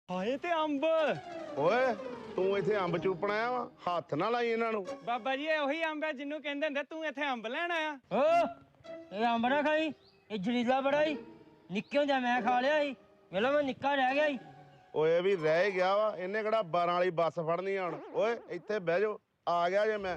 ਹਾਏ ਤੇ ਅੰਬ ਓਏ ਤੂੰ ਇੱਥੇ ਅੰਬ ਚੂਪਣ ਆਇਆ ਵਾ ਹੱਥ ਨਾ ਲਾਈ ਇਹਨਾਂ ਨੂੰ। ਬਾਬਾ ਜੀ ਇਹ ਉਹੀ ਅੰਬ ਹੈ ਜਿਹਨੂੰ ਕਹਿੰਦੇ ਹੁੰਦੇ ਤੂੰ ਇੱਥੇ ਅੰਬ ਲੈਣ ਆਇਆ। ਓ ਇਹ ਅੰਬ ਨਾ ਖਾਈ, ਇਹ ਜ਼ਹਿਰੀਲਾ ਬੜਾ ਈ। ਨਿੱਕੇ ਹੁੰਦਿਆਂ ਮੈਂ ਖਾ ਲਿਆ ਸੀ, ਵੇਲਾ ਮੈਂ ਨਿੱਕਾ ਰਹਿ ਗਿਆ ਸੀ। ਓਏ ਵੀ ਰਹਿ ਹੀ ਗਿਆ ਵਾ, ਇਹਨੇ ਕਿਹੜਾ 12 ਵਾਲੀ ਬੱਸ ਫੜਨੀ ਆ ਹੁਣ। ਓਏ ਇੱਥੇ ਬਹਿ ਜਾਓ, ਆ ਗਿਆ ਜੇ ਮੈਂ।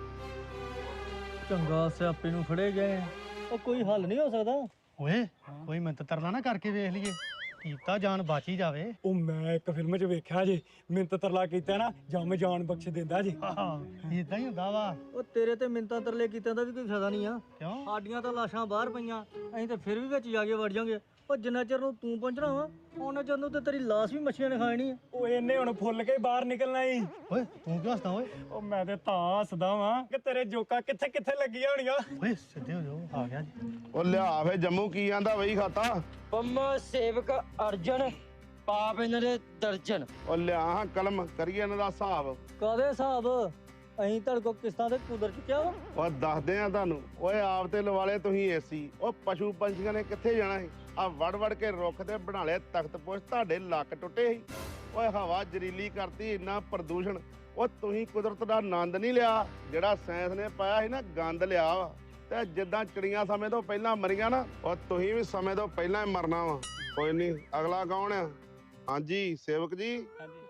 ਚੰਗਾ ਸਿਆਪੇ ਨੂੰ ਫੜੇ ਗਏ, ਉਹ ਕੋਈ ਹੱਲ ਨਹੀਂ ਹੋ ਸਕਦਾ। ਓਏ ਕੋਈ ਮਿੰਤ ਤਰਲਾ ਨਾ ਕਰਕੇ ਵੇਖ ਲਈਏ, ਕੀਤਾ ਜਾਨ ਬਚ ਹੀ ਜਾਵੇ। ਉਹ ਮੈਂ ਇੱਕ ਫਿਲਮ 'ਚ ਵੇਖਿਆ ਜੇ ਮਿੰਤ ਤਰਲਾ ਕੀਤਾ ਨਾ ਜੰਮ ਜਾਨ ਬਖਸ਼ ਦਿੰਦਾ ਜੀ। ਇਦਾਂ ਹੀ ਹੁੰਦਾ ਵਾ। ਉਹ ਤੇਰੇ ਤੇ ਮਿੰਤਾਂ ਤਰਲੇ ਕੀਤਿਆਂ ਦਾ ਵੀ ਕੋਈ ਫਾਇਦਾ ਨਹੀਂ ਆ। ਕਿਉਂ? ਸਾਡੀਆਂ ਤਾਂ ਲਾਸ਼ਾਂ ਬਾਹਰ ਪਈਆਂ, ਅਸੀਂ ਤੇ ਫਿਰ ਵੀ ਵਿੱਚ ਜਾ ਕੇ ਵੜ ਜਾਾਂਗੇ। ਉਹ ਜਿੰਨਾ ਚਿਰ ਨੂੰ ਤੂੰ ਪਹੁੰਚਣਾ ਵਾ ਉਹਨਾਂ ਚਿਰ ਨੂੰ ਤੇ ਤੇਰੀ ਲਾਸ਼ ਵੀ ਮੱਛੀਆਂ ਨੇ ਖਾਣੀ ਆ। ਉਹ ਇਹਨੇ ਹੁਣ ਫੁੱਲ ਕੇ ਬਾਹਰ ਨਿਕਲਣਾ ਈ। ਓਏ ਤੂੰ ਕਿਉਂ ਹੱਸਦਾ ਓਏ? ਉਹ ਮੈਂ ਤੇ ਤਾਂ ਹੱਸਦਾ ਵਾਂ ਕਿ ਤੇਰੇ ਜੋਕਾਂ ਕਿੱਥੇ ਕਿੱਥੇ ਲੱਗੀਆਂ ਹੋਣੀਆਂ। ਓਏ ਸਿੱਧੇ ਹੋ ਜਾਓ, ਆ ਗਿਆ ਜੀ। ਉਹ ਲਿਆ ਫੇ ਜੰਮੂ ਕੀ ਆਂਦਾ ਵਈ ਖਾਤਾ। ਪੰਮਾ ਸੇਵਕ ਅਰਜਨ, ਪਾਪ ਇਹਨਾਂ ਦੇ ਦਰਜਨ। ਉਹ ਲਿਆ ਹਾਂ ਕਲਮ, ਕਰੀਏ ਇਹਨਾਂ ਦਾ ਹਿਸਾਬ। ਕਾਹਦੇ ਹਿਸਾਬ? ਅਸੀਂ ਤੁਹਾਡੇ ਕੋਲ ਕਿਸ਼ਤਾਂ ਤੇ ਕੁਦਰ ਚੁੱਕਿਆ ਵਾ। ਉਹ ਦੱਸਦੇ ਆ ਤੁਹਾਨੂੰ। ਓਏ ਆਪ ਤੇ ਲਵਾਲੇ ਤੁਸੀਂ ਏਸੀ। ਉਹ ਪਸ਼ੂ ਪੰਛੀਆਂ ਨੇ ਕਿੱਥੇ ਜਾਣਾ ਸੀ? ਆ ਵੜ ਵੜ ਕੇ ਰੁੱਖ ਤੇ ਬਣਾ ਲਿਆ ਤਖਤ ਪੁਸ਼, ਤੁਹਾਡੇ ਲੱਕ ਟੁੱਟੇ ਸੀ। ਓਏ ਹਵਾ ਜ਼ਰੀਲੀ ਕਰਤੀ, ਇੰਨਾ ਪ੍ਰਦੂਸ਼ਣ। ਉਹ ਤੁਸੀਂ ਕੁਦਰਤ ਦਾ ਆਨੰਦ ਨਹੀਂ ਲਿਆ ਜਿਹੜਾ ਸਾਇੰਸ ਨੇ ਪਾਇਆ ਸੀ ਨਾ, ਗੰਦ ਲਿਆ ਵਾ। ਤੇ ਜਿੱਦਾਂ ਚਿੜੀਆਂ ਸਮੇਂ ਤੋਂ ਪਹਿਲਾਂ ਮਰੀਆਂ ਨਾ, ਉਹ ਤੁਸੀਂ ਵੀ ਸਮੇਂ ਤੋਂ ਪਹਿਲਾਂ ਹੀ ਮਰਨਾ ਵਾ। ਕੋਈ ਨਹੀਂ, ਅਗਲਾ ਕੌਣ ਆ? ਹਾਂਜੀ ਸੇਵਕ ਜੀ। ਹਾਂਜੀ